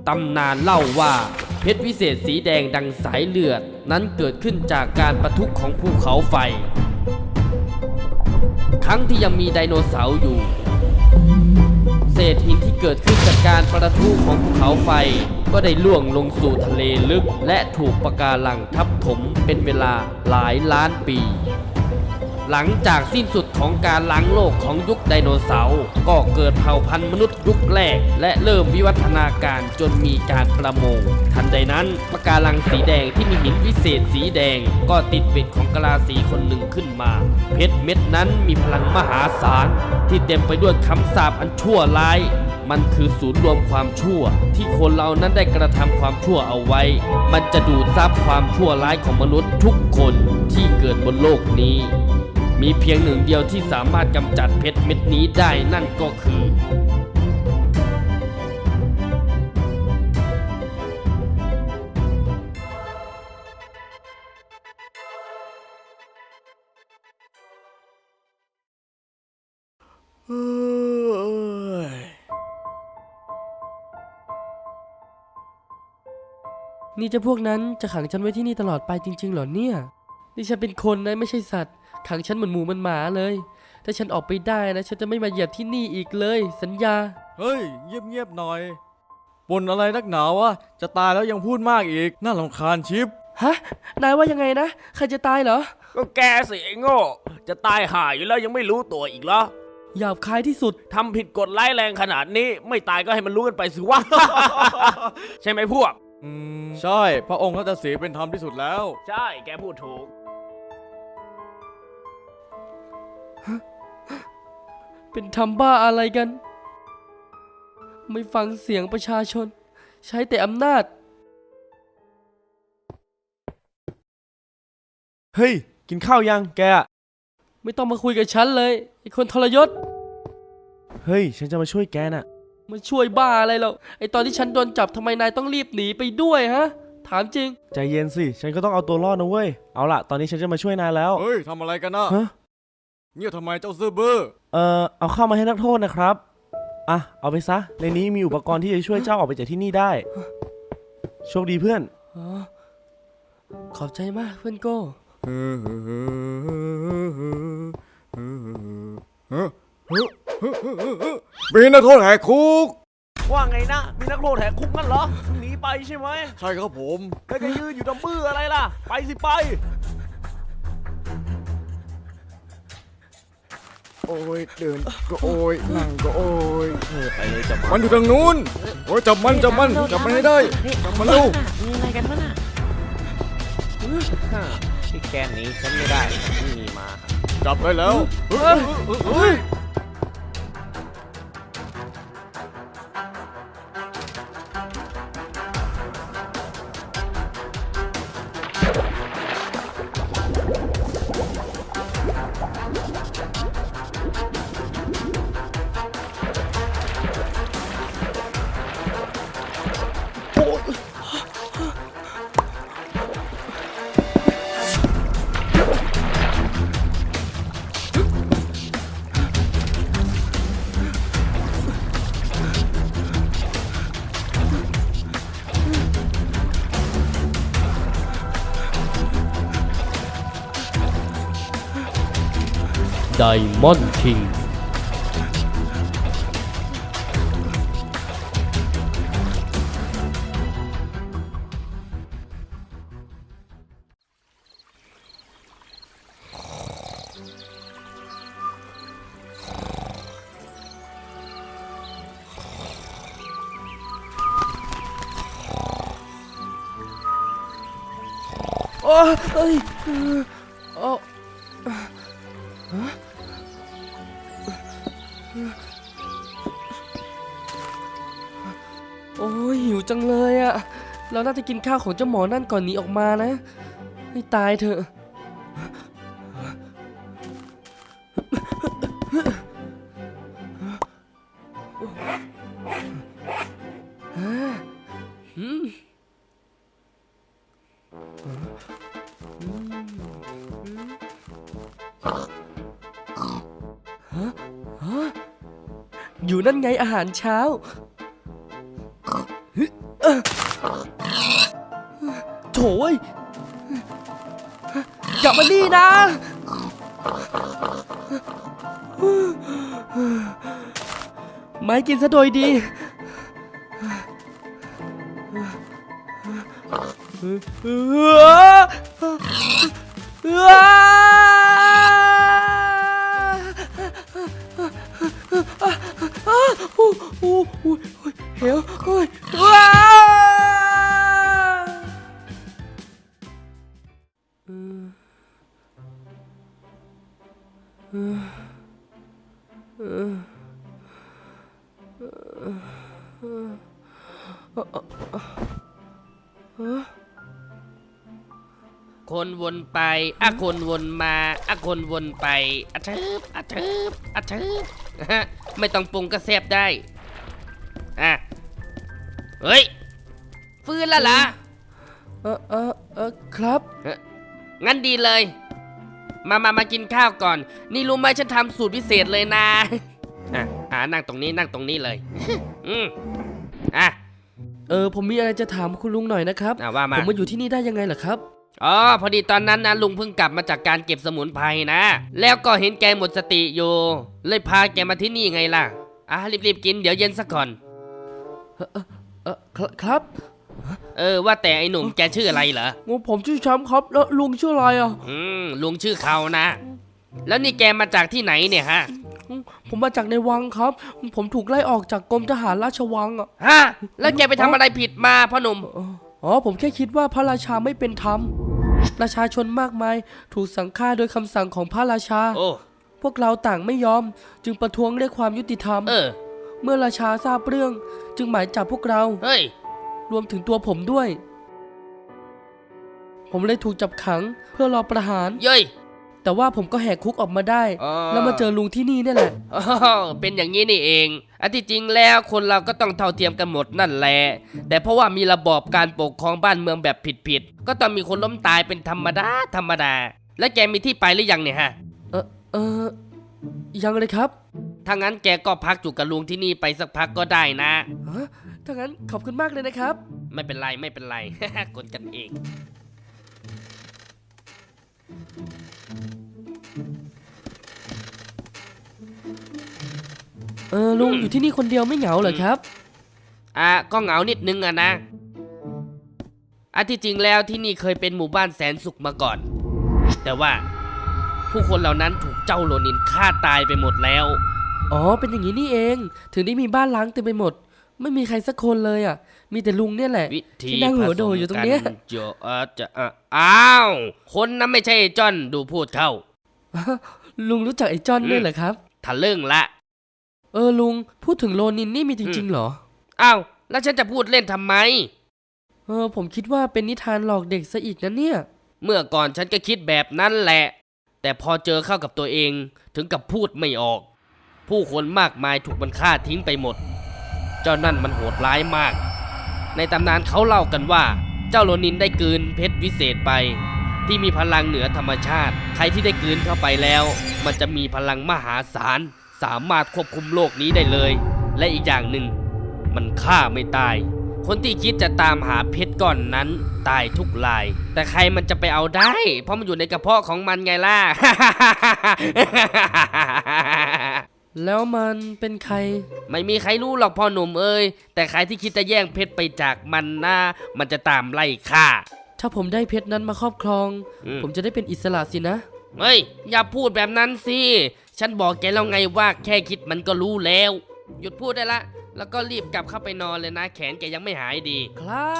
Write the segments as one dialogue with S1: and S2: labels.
S1: ตำนานเล่าว่าเพชรวิเศษสีแดงดังสายเลือดนั้นเกิดขึ้นจากการปะทุของภูเขาไฟครั้งที่ยังมีไดโนเสาร์อยู่เศษหินที่เกิดขึ้นจากการประทุของภูเขาไฟก็ได้ล่วงลงสู่ทะเลลึกและถูกปะการังทับถมเป็นเวลาหลายล้านปีหลังจากสิ้นสุดของการล้างโลกของยุคไดโนเสาร์ก็เกิดเผ่าพันธุ์มนุษย์ยุคแรกและเริ่มวิวัฒนาการจนมีการประมงทันใดนั้นปะการังสีแดงที่มีหินวิเศษสีแดงก็ติดเป็ดของกะลาสีคนหนึ่งขึ้นมาเพชรเม็ดนั้นมีพลังมหาศาลที่เต็มไปด้วยคำสาปอันชั่วร้ายมันคือศูนย์รวมความชั่วที่คนเรานั้นได้กระทำความชั่วเอาไว้มันจะดูดซับความชั่วร้ายของมนุษย์ทุกคนที่เกิดบนโลกนี้มีเพียงหนึ่งเดียวที่สามารถกำจัดเพชรเม็ดนี้ได้นั่นก็คือ
S2: นี่จะพวกนั้นจะขังฉันไว้ที่นี่ตลอดไปจริงๆเหรอเนี่ยนี่ฉันเป็นคนนะไม่ใช่สัตว์ขังฉันเหมือนหมูเหมือนหมาเลยถ้าฉันออกไปได้นะฉันจะไม่มาเหยียบที่นี่อีกเลยสัญญา
S3: เฮ้ยเงียบๆหน่อยบ่นอะไรนักหนาวะจะตายแล้วยังพูดมากอีกน่ารำคาญชิป
S2: ฮะนายว่ายังไงนะใครจะตายเหรอ
S4: ก็แกสิไอ้โง่จะตายห่าอยู่แล้วยังไม่รู้ตัวอีกเหรอ
S2: หยาบคายที่สุด
S4: ทำผิดกฎร้ายแรงขนาดนี้ไม่ตายก็ให้มันรู้กันไปสิวะ ใช่ไหมพวก
S3: ใช่พระองค์รัตสีเป็นธรรมที่สุดแล้ว
S4: ใช่แกพูดถูก
S2: เป็นทำบ้าอะไรกัน ไม่ฟังเสียงประชาชน ใช้แต่อำนาจ
S3: เฮ้ยกินข้าวยังแก
S2: ไม่ต้องมาคุยกับฉันเลยไอ้คนทรยศ
S3: เฮ้ยฉันจะมาช่วยแกน่ะ
S2: มาช่วยบ้าอะไรเราไอ้ตอนที่ฉันโดนจับทำไมนายต้องรีบหนีไปด้วยฮะถามจริง
S5: ใจเย็นสิฉันก็ต้องเอาตัวรอดนะเว้ยเอาล่ะตอนนี้ฉันจะมาช่วยนายแล้ว
S3: เฮ้ยทำอะไรกันนะ
S5: ฮะ
S3: เงียบทำไมเจ้าซื่อบื้อ
S5: เอาเข้ามาให้นักโทษนะครับอ่ะเอาไปซะในนี้มีอุปกรณ์ที่จะช่วยเจ้าออกไปจากที่นี่ได้โชคดีเพื่อน
S2: อ๋อ ขอบใจมากเพื่อนโก้
S3: มีนักโทษแหกคุก
S4: ว่าไงนะ มีนักโทษแหกคุกงั้นเหรอหนีไปใช่ไหม
S3: ใช่ครับผม
S4: แล้วจะยืนอยู่ทำบื้ออะไรล่ะ ไปสิไป
S3: โอ้ยเดินก็โอ้ยนั่งก็โอ้ย
S4: ไปเลยจับ
S3: มันอยู่ทางนู้นโอ้ยจับมันให้ได้จับมันเร็ว
S4: มีอะไรกันวะน่ะที่แกหนีฉันไม่ได้ไม่มีมา
S3: จับได้แล้วเฮ้ย
S1: ไดมอนด์คิง
S2: โอ้เอ้ยโอ้โอ้ยหิวจังเลยอะเราน่าจะกินข้าวของเจ้าหมอนั่นก่อนหนีออกมานะให้ตายเถอะอยู่นั่นไงอาหารเช้ายอย่ามานี่นะไม่กินซะโดยดีเฮ้ยว้า
S1: คนวนไปคนวนมาคนวนไปอะเทิบอะเทิบอะเทิบ ไม่ต้องปรุงก็แซ่บได้เฮ้ยฟื้นแล้วล่ะ
S2: ครับ
S1: งั้นดีเลย มากินข้าวก่อน นี่รู้ไหมฉันทำสูตรพิเศษเลยนะนั่งตรงนี้เลย
S2: ผมมีอะไรจะถามคุณลุงหน่อยนะครับ
S1: ว่ามา
S2: ผมมาอยู่ที่นี่ได้ยังไงล่ะครับ
S1: อ๋อพอดีตอนนั้นนะลุงเพิ่งกลับมาจากการเก็บสมุนไพรนะ แล้วก็เห็นแกหมดสติอยู่ เลยพาแกมาที่นี่ไงล่ะรีบกินเดี๋ยวเย็นซะก่อน
S2: ครับ
S1: ว่าแต่ไอ้หนุ่มแกชื่ออะไรเหรอ
S2: ผมชื่อแชมป์ครับแล้วลุงชื่ออะไรอ่ะ
S1: ลุงชื่อเขานะ แล้วนี่แกมาจากที่ไหนเนี่ยฮะ
S2: ผมมาจากในวังครับ ผมถูกไล่ออกจากกรมทหารราชวังอ่ะ
S1: แล้วแกไปทำอะไรผิดมาพ่อหนุ่ม
S2: ผมแค่คิดว่าพระราชาไม่เป็นธรรมประชาชนมากมายถูกสั่งฆ่าโดยคำสั่งของพระราชา พวกเราต่างไม่ยอมจึงประท้วงเรียกความยุติธรรม เมื่อราชาทราบเรื่องจึงหมายจับพวกเรา รวมถึงตัวผมด้วย ผมเลยถูกจับขังเพื่อรอประหาร แต่ว่าผมก็แหกคุกออกมาได้ แล้วมาเจอลุงที่นี่นี่แหละ
S1: เป็นอย่างนี้นี่เองอันที่จริงแล้วคนเราก็ต้องเท่าเทียมกันหมดนั่นแหละ แต่เพราะว่ามีระบอบการปกครองบ้านเมืองแบบผิดๆก็ต้องมีคนล้มตายเป็นธรรมดา แล้วแกมีที่ไปหรือยังเนี่ยฮะ
S2: ยังเลยครับ
S1: ถ้างั้นแกก็พักอยู่กับลุงที่นี่ไปสักพักก็ได้นะ
S2: ถ้างั้นขอบคุณมากเลยนะครับ
S1: ไม่เป็นไร กดกันเอง
S2: ลุงอยู่ที่นี่คนเดียวไม่เหงาเหรอครับ
S1: ก็เหงานิดนึงอะนะที่จริงแล้วที่นี่เคยเป็นหมู่บ้านแสนสุขมาก่อน แต่ว่าผู้คนเหล่านั้นถูกเจ้าโรนินฆ่าตายไปหมดแล้ว
S2: เป็นอย่างนี้นี่เอง ถึงได้มีบ้านล้างเต็มไปหมด ไม่มีใครสักคนเลยอ่ะ มีแต่ลุงเนี่ยแหละ
S1: วิธี
S2: ที่นั่งหัวโดอยู่ตรงเนี้ย
S1: อ้าวคนนั้นไม่ใช่ไอ้จอนดูพูดเข้า
S2: ลุงรู้จักไอ้จอนด้วยเหรอครับ
S1: ทะลึ่งละ
S2: ลุงพูดถึงโรนินนี่มีจริงๆเหรอ
S1: อ้าวแล้วฉันจะพูดเล่นทำไม
S2: ผมคิดว่าเป็นนิทานหลอกเด็กซะอีกนะเนี่ย
S1: เมื่อก่อนฉันก็คิดแบบนั้นแหละ แต่พอเจอเข้ากับตัวเองถึงกับพูดไม่ออก ผู้คนมากมายถูกมันฆ่าทิ้งไปหมด เจ้านั่นมันโหดร้ายมาก ในตำนานเขาเล่ากันว่า เจ้าโรนินได้กลืนเพชรวิเศษไป ที่มีพลังเหนือธรรมชาติ ใครที่ได้กลืนเข้าไปแล้ว มันจะมีพลังมหาศาล สามารถควบคุมโลกนี้ได้เลย และอีกอย่างหนึ่งมันฆ่าไม่ตาย คนที่คิดจะตามหาเพชรก้อนนั้นตายทุกราย แต่ใครมันจะไปเอาได้ เพราะมันอยู่ในกระเพาะของมันไงล่ะ
S2: แล้วมันเป็นใคร
S1: ไม่มีใครรู้หรอกพ่อหนุ่มเอ้ยแต่ใครที่คิดจะแย่งเพชรไปจากมันนะมันจะตามไล่ฆ่า
S2: ถ้าผมได้เพชรนั้นมาครอบครอง ผมจะได้เป็นอิสระสินะ
S1: เฮ้ยอย่าพูดแบบนั้นสิฉันบอกแกแล้วไงว่าแค่คิดมันก็รู้แล้ว หยุดพูดได้ละแล้วก็รีบกลับเข้าไปนอนเลยนะ แขนแกยังไม่หายดี
S2: ครับ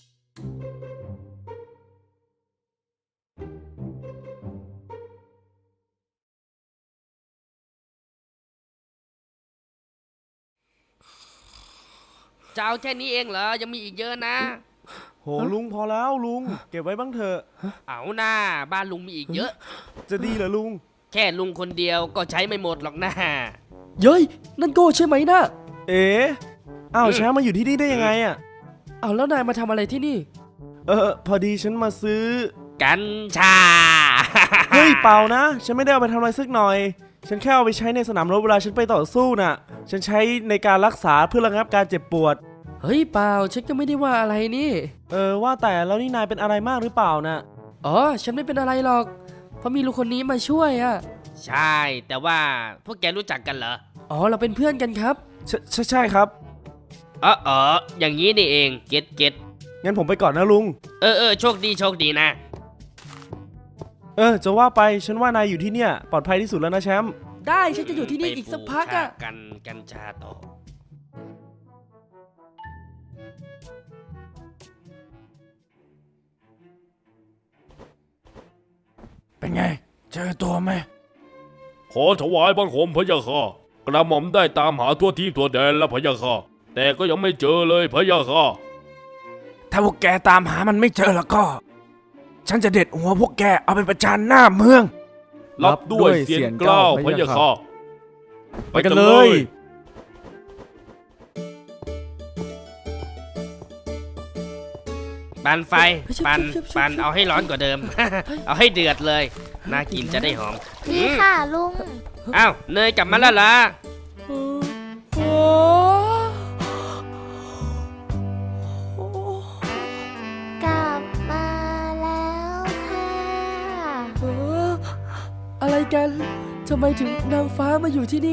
S1: จะเอาแค่นี้เองเหรอยังมีอีกเยอะนะ
S5: โหลุงพอแล้วลุง เก็บไว้บ้างเถอะ
S1: เอาหน้าบ้านลุงมีอีกเยอะ
S5: จะดีเหรอลุง
S1: แค่ลุงคนเดียวก็ใช้ไม่หมดหรอกนะ
S2: เย้ยนั่นโก้ใช่ไหมนะ
S5: เอ๋อ้าวแชมป์มาอยู่ที่นี่ได้ยังไงอ่ะ
S2: แล้วนายมาทำอะไรที่นี่
S5: พอดีฉันมาซื้อ
S1: กัญชา
S5: เฮ้ยเปล่านะ ฉันไม่ได้เอาไปทำอะไรสักหน่อย ฉันแค่เอาไปใช้ในสนามรบเวลาฉันไปต่อสู้น่ะ ฉันใช้ในการรักษาเพื่อระงับการเจ็บปวด
S2: เฮ้ยเปล่าฉันก็ไม่ได้ว่าอะไรนี่
S5: ว่าแต่แล้วนี่นายเป็นอะไรมากหรือเปล่านะ
S2: อ๋อฉันไม่เป็นอะไรหรอก เพราะมีลุงคนนี้มาช่วยอ่ะ
S4: ใช่ แต่ว่าพวกแกรู้จักกันเหรอ
S2: อ๋อเราเป็นเพื่อนกันครับ
S5: ใช่ครับ
S4: อย่างนี้นี่เองเก็ต
S5: งั้นผมไปก่อนนะลุง
S4: โชคดีนะ
S5: จะว่าไปฉันว่านายอยู่ที่เนี่ยปลอดภัยที่สุดแล้วนะแชมป์
S2: ได้ฉันจะอยู่ที่นี่อีกสักพักอ่ะ
S4: ไปปลูชากัญชาต่อ
S3: เป็นไง เจอตัวไหม
S6: ขอถวายบังคมพระยาค่ะกระหม่อมได้ตามหาทั่วที่ทั่วแดนแล้วพระยาค่ะแต่ก็ยังไม่เจอเลยพระยาค่ะ
S3: ถ้าพวกแกตามหามันไม่เจอแล้วก็ ฉันจะเด็ดหัวพวกแกเอาไปประจานหน้าเมือง
S6: รับด้วยเสียงกล้าวพระยาค่ะ
S3: ไปกันเลย
S4: ปันไฟ ปันเอาให้ร้อนกว่าเดิม เอาให้เดือดเลย น่ากินจะได้หอม
S7: นี่ค่ะลุง
S4: อ้าวเนยกลับมาแล้วเหรอ
S2: โอ้
S7: กลับมาแล้วค่ะ
S2: เอออะไรกันทำไมถึงนางฟ้ามาอยู่ที่นี่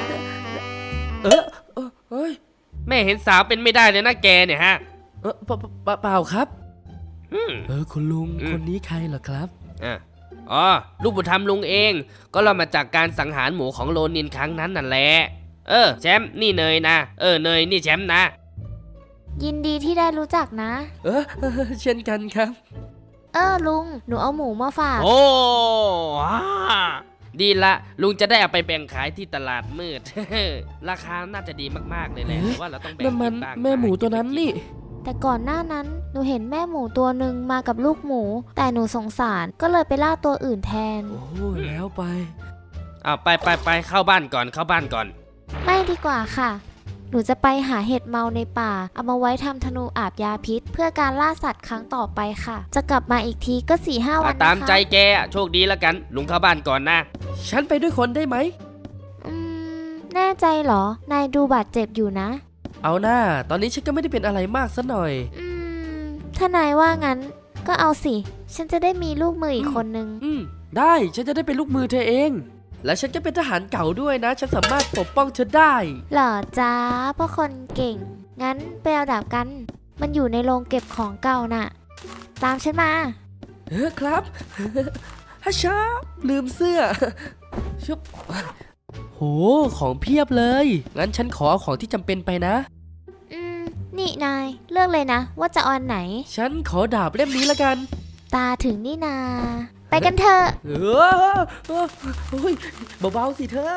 S2: เฮ้ย
S4: แม่เห็นสาวเป็นไม่ได้เลยนะแกเนี่ยฮะ
S2: เปล่าครับ
S4: อืม
S2: คุณลุง
S4: อืม
S2: คนนี้ใครเหรอครับ
S4: อ๋อลูกบุญธรรมลุงเอง ก็เรามาจากการสังหารหมูของโลนินครั้งนั้นนั่นแหละแชมป์นี่เนยนะเนยนี่แชมป์นะ
S7: ยินดีที่ได้รู้จักนะ
S2: เช่นกันครับ
S7: ลุง หนูเอาหมูมาฝาก
S4: โอ้ว้าดีละลุงจะได้เอาไปแบ่งขายที่ตลาดมืด ราคาน่าจะดีมากๆเลยแหละ
S2: เอ๊ะ
S4: แต่ว่าเราต้องแบ่ง
S2: นั่นมัน
S4: กิบ้าง
S2: แม่หมูตัวนั้นนี่
S7: แต่ก่อนหน้านั้น หนูเห็นแม่หมูตัวหนึ่งมากับลูกหมู แต่หนูสงสารก็เลยไปล่าตัวอื่นแทน
S2: โอ้แล้วไป
S4: ไปเข้าบ้านก่อนเข้าบ้านก่อน
S7: ไม่ดีกว่าค่ะ หนูจะไปหาเห็ดเมาในป่า เอามาไว้ทำธนูอาบยาพิษ เพื่อการล่าสัตว์ครั้งต่อไปค่ะ จะกลับมาอีกทีก็ 4-5 วันนะคะ
S4: ตามใจแกอะโชคดีแล้วกัน ลุงเข้าบ้านก่อนนะ
S2: ฉันไปด้วยคนได้ไหม
S7: แน่ใจเหรอ นายดูบาดเจ็บอยู่นะ
S2: เอาหน้า ตอนนี้ฉันก็ไม่ได้เป็นอะไรมากซะหน่อย
S7: ถ้านายว่างั้น ก็เอาสิ ฉันจะได้มีลูกมืออีกคนนึง
S2: ได้ ฉันจะได้เป็นลูกมือเธอเอง และฉันก็เป็นทหารเก่าด้วยนะ ฉันสามารถปกป้องเธอได้
S7: เหรอจ้าพ่อคนเก่ง งั้นไปเอาดาบกัน มันอยู่ในโรงเก็บของเก่าน่ะ ตามฉันมา
S2: ครับ ฮัชชาลืมเสื้อ ชุบโห ของเพียบเลย งั้นฉันขอเอาของที่จำเป็นไปนะ
S7: นี่นายเลือกเลยนะ ว่าจะเอาอันไหน
S2: ฉันขอดาบเล่มนี้ละกัน
S7: ตาถึงนี่นา ไปกันเถอะ
S2: โอ้ยเบาๆสิเธอ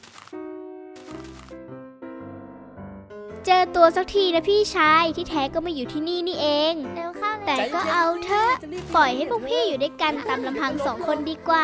S8: เจอตัวสักทีนะพี่ชายที่แท้ก็มาอยู่ที่นี่นี่เอง
S7: เร็วเข้า
S8: แต่ก็เอาเถอะปล่อยให้พวกพี่อยู่ด้วยกันตามลำพังสองคนดีกว่า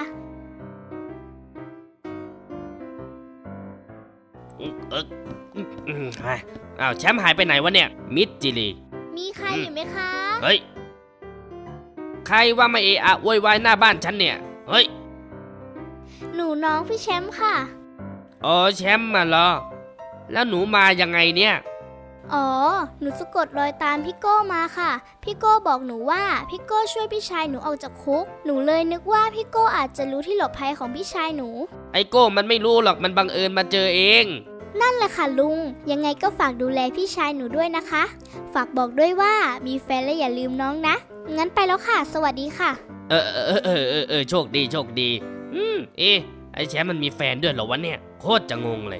S4: อ้าวแชมป์หายไปไหนวะเนี่ย มิดจิลี
S8: มีใครอยู่ไหมคะ
S4: เฮ้ย ใครว่ามาเอะอะโวยวายหน้าบ้านฉันเนี่ย เฮ้ย
S8: หนูน้องพี่แชมป์ค่ะ
S4: อ๋อแชมป์มาเหรอ แล้วหนูมายังไงเนี่ย
S8: อ๋อ หนูสะกดรอยตามพี่โก้มาค่ะ พี่โก้บอกหนูว่าพี่โก้ช่วยพี่ชายหนูออกจากคุก หนูเลยนึกว่าพี่โก้อาจจะรู้ที่หลบภัยของพี่ชายหนู
S4: ไอโก้มันไม่รู้หรอกมันบังเอิญมาเจอเอง
S8: นั่นแหละค่ะลุง ยังไงก็ฝากดูแลพี่ชายหนูด้วยนะคะ ฝากบอกด้วยว่ามีแฟนและอย่าลืมน้องนะ งั้นไปแล้วค่ะ สวัสดีค่ะ
S4: โชคดีโชคดี ไอแชมป์มันมีแฟนด้วยเหรอวะเนี่ย โคตรจะงงเลย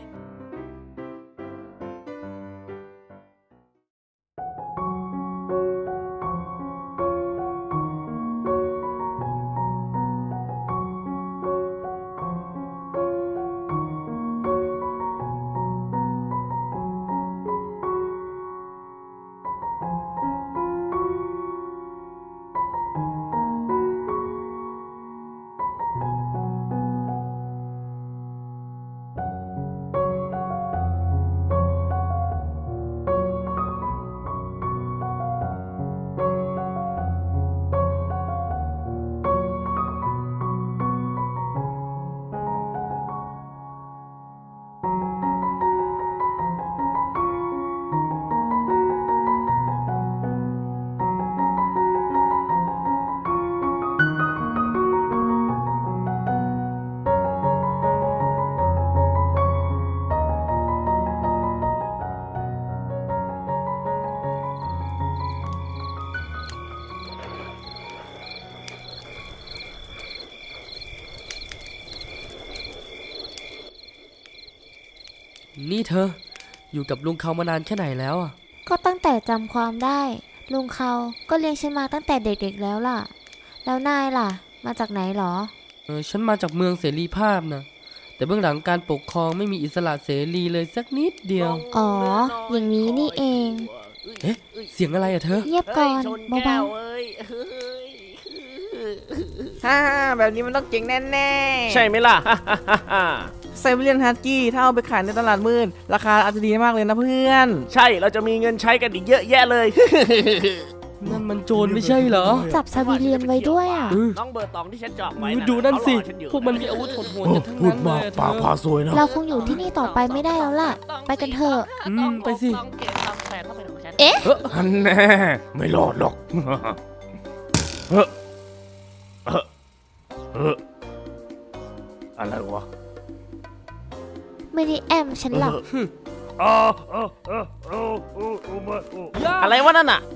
S2: นี่เธอ อยู่กับลุงเขามานานแค่ไหนแล้วอ่ะ
S7: ก็ตั้งแต่จำความได้ ลุงเขาก็เลี้ยงฉันมาตั้งแต่เด็กๆแล้วล่ะ แล้วนายล่ะ มาจากไหนหรอ
S2: ฉันมาจากเมืองเสรีภาพนะ แต่เบื้องหลังการปกครองไม่มีอิสระเสรีเลยสักนิดเดียว
S7: อ๋อ อย่างนี้นี่เอง
S2: เอ๊ะ เสียงอะไรอะเธอ
S7: เงียบก่อนเบา
S9: ฮ่าแบบนี้มันต้องเจ๋งแน่ๆ
S5: ใช่ไหมล่ะ
S9: ไซบีเรียนฮัสกี้ถ้าเอาไปขายในตลาดมืดราคาอาจจะดีมากเลยนะเพื่อน
S5: ใช่เราจะมีเงินใช้กันอีกเยอะแยะเลย
S2: นั่นมันโจรไม่ใช่เหรอ
S7: ๆ จับซาบิเลียนไว้ด้วยอ่ะ
S5: น้องเบอร์ตองที่ฉันเจาะไว้
S2: ดูนั่นสิ
S5: เขารอฉัอยู่
S2: พวกมันมีอาวุธโหดๆกันทั้งนั้นเลยอะเธอ
S5: สวยนะ
S7: เราคงอยู่ที่นี่ต่อไปไม่ได้แล้วล่ะ ไปกันเถอะ
S2: ไปสิ
S7: เอ๊ะ
S5: อันแน่ไม่รอดหรอกเฮ้ออะไรวะ
S7: ไม่ได้แอมฉันหรอก
S5: อะไรวะนั่นน่ะ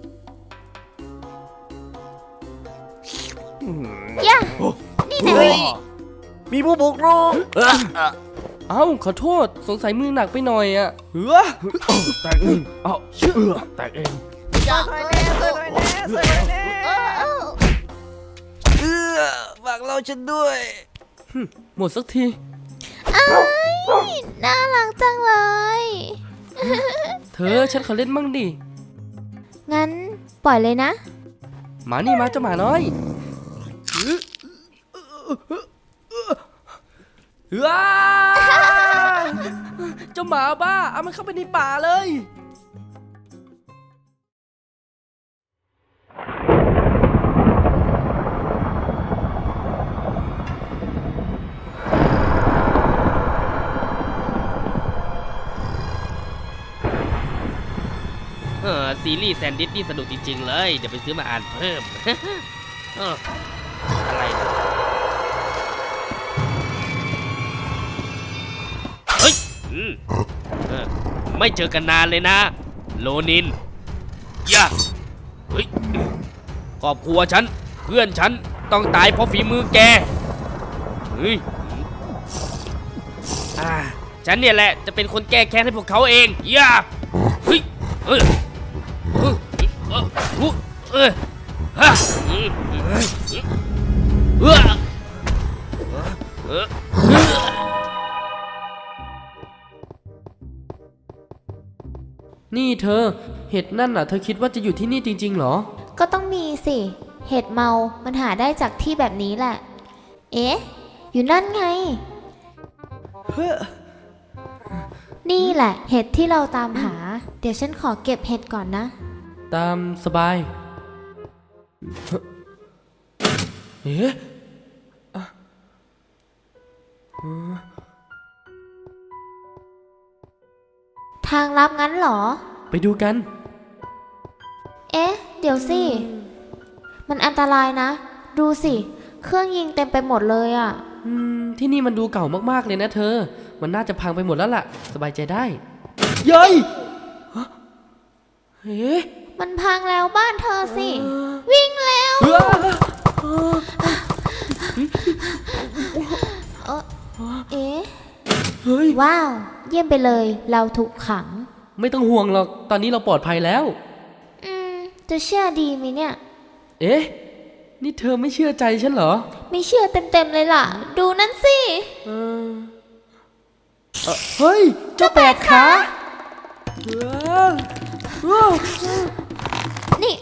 S7: ย่า นี่นะ
S5: มีผู้บุกรุก
S2: เอ้า ขอโทษ สงสัยมือหนักไปหน่อยอะ
S5: แตกหนึ่งเอาแตกเอง
S9: ฝากเราฉันด้วย
S2: หมดสักที
S7: น่ารักจังเลย
S2: เธอฉันขอเล่นมั่งดิ
S7: งั้นปล่อยเลยนะ
S2: หมานี่มาเจ้าหมาน้อยว้าเจ้าหมาบ้า เอามันเข้าไปในป่าเลย
S4: ซีรีส์แซนดิสนี่สนุกจริงๆเลย เดี๋ยวไปซื้อมาอ่านเพิ่ม อะไรนะเฮ้ยไม่เจอกันนานเลยนะ โลนินย่าเฮ้ยครอบครัวฉัน เพื่อนฉัน ต้องตายเพราะฝีมือแก เฮ้ยฉันเนี่ยแหละ จะเป็นคนแก้แค้นให้พวกเขาเองย่าเฮ้ย
S2: นี่เธอ เห็ดนั่นน่ะ เธอคิดว่าจะอยู่ที่นี่จริงๆเหรอ
S7: ก็ต้องมีสิ เห็ดเมา มันหาได้จากที่แบบนี้แหละ เอ๊ะ อยู่นั่นไง นี่แหละ เห็ดที่เราตามหา เดี๋ยวฉันขอเก็บเห็ดก่อนนะ
S2: ตามสบาย เอ๊ะ
S7: ทางลับงั้นเหรอ
S2: ไปดูกัน
S7: เอ๊ะ เดี๋ยวสิ มันอันตรายนะ ดูสิ เครื่องยิงเต็มไปหมดเลยอ่ะ
S2: ที่นี่มันดูเก่ามากๆเลยนะเธอ มันน่าจะพังไปหมดแล้วล่ะ สบายใจได้เย้ยฮะเอ๊ะ
S7: มันพังแล้วบ้านเธอสิ วิ่งแล้ว เอ๊ะ
S2: เฮ้ย
S7: ว้าว เยี่ยมไปเลย เราถูกขัง
S2: ไม่ต้องห่วงหรอก ตอนนี้เราปลอดภัยแล้ว
S7: จะเชื่อดีไหมเนี่ย
S2: เอ๊ะ นี่เธอไม่เชื่อใจฉันเหรอ
S7: ไม่เชื่อเต็มๆเลยล่ะ ดูนั่นสิ
S2: เฮ้ย เจ้าแปดขาเออ
S7: นี่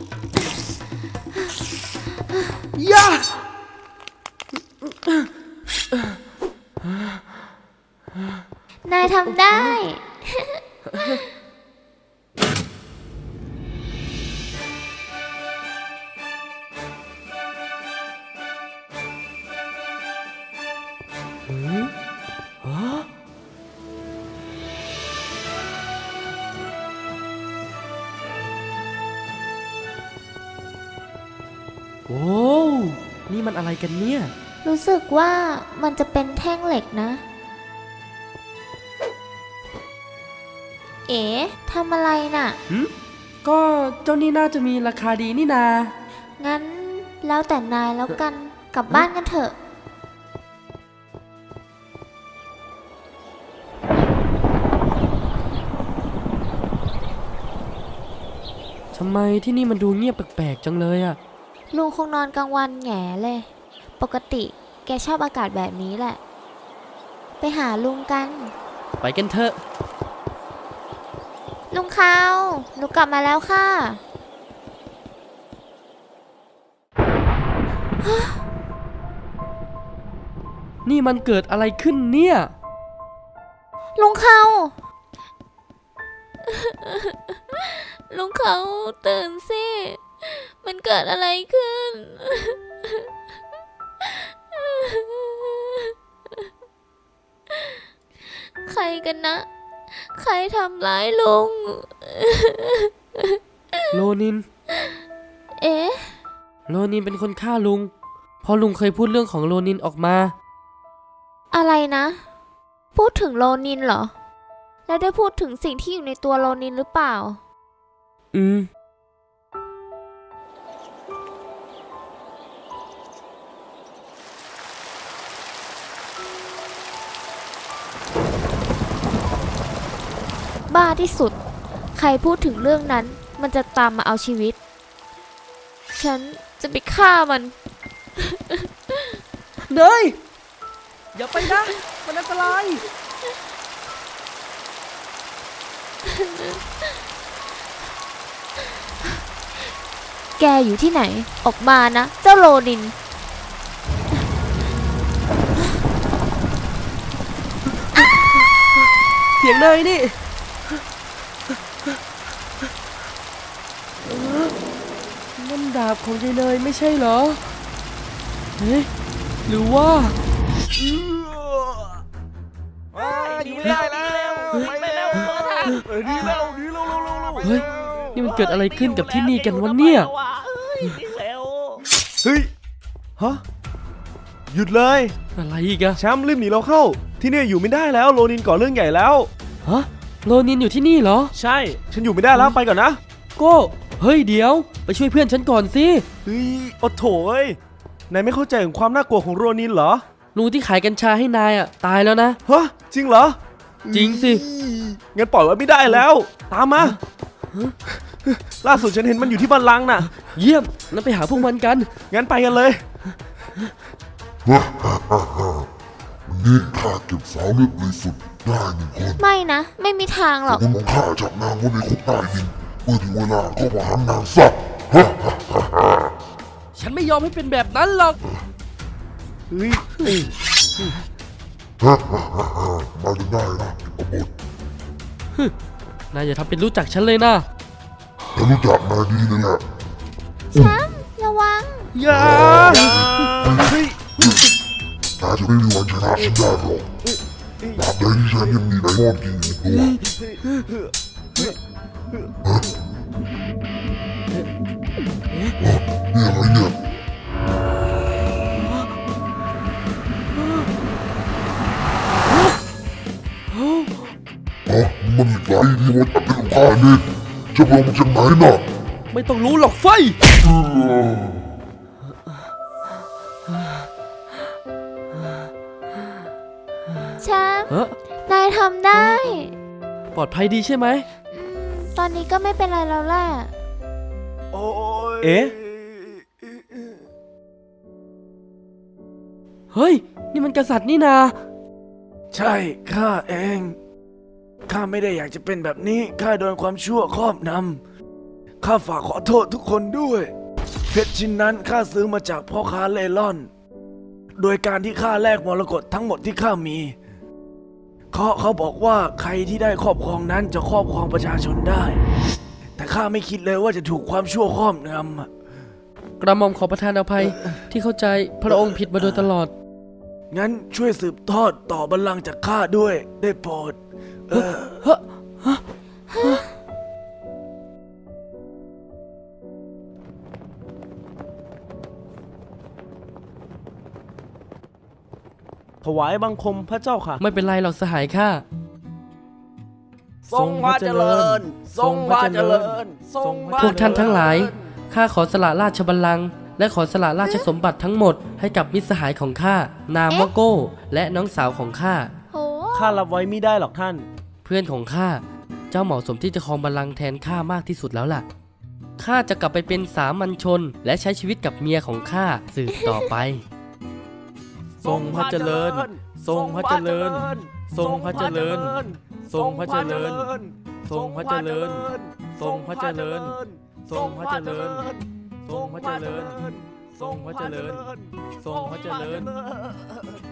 S2: ย่า
S7: นายทำได้
S2: โอ้นี่มันอะไรกันเนี่ย
S7: รู้สึกว่ามันจะเป็นแท่งเหล็กนะ เอ๋ทำอะไรน่ะ
S2: ก็เจ้านี่น่าจะมีราคาดีนี่นา
S7: งั้นแล้วแต่นายแล้วกัน กลับบ้านกันเถอะ
S2: ทำไมที่นี่มันดูเงียบแปลกๆจังเลยอะ
S7: ลุงคงนอนกลางวันแง่เลย ปกติแกชอบอากาศแบบนี้แหละ ไปหาลุงกัน
S2: ไปกันเถอะ
S7: ลุงเขาหนูกลับมาแล้วค่ะ
S2: นี่มันเกิดอะไรขึ้นเนี่ย
S7: ลุงเขา ลุงเขาตื่นสิ มันเกิดอะไรขึ้น ใครกันนะ ใครทำร้ายลุง
S2: โลนิน
S7: เอ๊ะ
S2: โลนินเป็นคนฆ่าลุงเพราะลุงเคยพูดเรื่องของโลนินออกมา
S7: อะไรนะ พูดถึงโลนินเหรอ แล้วได้พูดถึงสิ่งที่อยู่ในตัวโลนินหรือเปล่า
S2: อืม
S7: บ้าที่สุด ใครพูดถึงเรื่องนั้น มันจะตามมาเอาชีวิต ฉันจะไปฆ่ามัน
S2: เนยอย่าไปนะ มันอันตราย
S7: แกอยู่ที่ไหน ออกมานะ เจ้าโลนิน
S2: เสียงเนยนี่ นั่นดาบของยายเนยไม่ใช่เหรอ เฮ้ยหรือว่า
S3: อยู่ไม่ได้แล้วไปแล้วดีแล้ว
S2: เฮ้ย นี่มันเกิดอะไรขึ้นกับที่นี่กันวะเนี่ย
S5: เฮ้ย ฮะ หยุดเลย
S2: อะไรอีกอะ
S5: แชมป์รีบหนีเราเข้า ที่นี่อยู่ไม่ได้แล้วโลนินก่อเรื่องใหญ่แล้ว
S2: ฮะ โลนินอยู่ที่นี่เหรอ
S5: ใช่ ฉันอยู่ไม่ได้แล้วไปก่อนนะ
S2: โก้ เฮ้ยเดี๋ยว ไปช่วยเพื่อนฉันก่อนสิ
S5: เฮ้ยโอ้โถเอ้ยนายไม่เข้าใจถึงความน่ากลัวของโรนินเหรอ
S2: ลุงที่ขายกัญชาให้นายอะตายแล้วนะ
S5: ฮะ จริงเหรอ
S2: จริงสิ
S5: งั้นปล่อยไว้ไม่ได้แล้ว ตามมา ล่าสุดฉันเห็นมันอยู่ที่บัลลังก์น่ะ
S2: เยี่ยมงั้นไปหาพวกมันกัน
S5: งั้นไปกันเลย
S10: นี่ข้าเก็บสาวเลือดบริสุทธิ์ได้หนึ่งคน
S7: ไม่นะ ไม่มีทางหรอก
S10: คนของข้าจับนางไว้ในคุกใต้ดินเมื่อถึงเวลาก็มาหันนางซะ
S2: ฉันไม่ยอมให้เป็นแบบนั้นหรอก
S5: เฮ้ย
S10: มาจนได้นะกบฏ
S2: นายอย่าทำเป็นรู้จักฉันเลยนะ
S10: ฉันรู้จักนายดีเลยแหละ
S7: แชมป์ระวัง
S5: อย่าเฮ้ย
S10: นายจะไม่มีวันชนะฉันได้หรอกตราบใดที่ฉันยังมีไดมอนด์กินอยู่ในตัวนี่อะไรเนี่ยมันอีกหลายที่ว่าจับเป็นของข้าเนี่ยจะลงมาจากไหนน่ะ
S2: ไม่ต้องรู้หรอกไฟ
S7: แชมป์
S2: เอ๊ะ
S7: นายทำได้
S2: ปลอดภัยดีใช่ไหม
S7: ตอนนี้ก็ไม่เป็นไรแล้วแหละ
S5: เอ๊ะ
S2: เฮ้ย นี่มันกษัตริย์นี่นา
S5: ใช่ ข้าเอง ข้าไม่ได้อยากจะเป็นแบบนี้ ข้าโดนความชั่วครอบนำ ข้าฝากขอโทษทุกคนด้วย เพชรชิ้นนั้นข้าซื้อมาจากพ่อค้าเล่ร่อน โดยการที่ข้าแลกมรกตทั้งหมดที่ข้ามี เขาบอกว่าใครที่ได้ครอบครองนั้นจะครอบครองประชาชนได้ แต่ข้าไม่คิดเลยว่าจะถูกความชั่วครอบงำ
S2: กระหม่อมขอประทานอภัยที่เข้าใจพระองค์ผิดมาโดยตลอด
S5: งั้นช่วยสืบทอดต่อบัลลังก์จากข้าด้วยได้โปรด ถวายบังคมพระเจ้าค่ะ
S2: ไม่เป็นไรหรอกสหายข้า
S5: ทรงพระเจริญ ทรงพระเจริญ ทรงพระ
S2: พวกท่านทั้งหลาย ข้าขอสละราชบัลลังก์และขอสละราชสมบัติทั้งหมดให้กับมิตรสหายของข้า นามว่าโก้ และน้องสาวของข้า
S8: โห
S5: ข้ารับไว้ไม่ได้หรอกท่าน
S2: เพื่อนของข้า เจ้าเหมาะสมที่จะครองบัลลังก์แทนข้ามากที่สุดแล้วล่ะข้าจะกลับไปเป็นสามัญชน และใช้ชีวิตกับเมียของข้าสืบต่อไป
S3: ทรงพระเจริญ ทรงพระเจริญ ทรงพระเจริญ ทรงพระเจริญ ทรงพระเจริญ ทรงพระเจริญ ทรงพระเจริญ ทรงพระเจริญ ทรงพระเจริญ ทรงพระเจริญ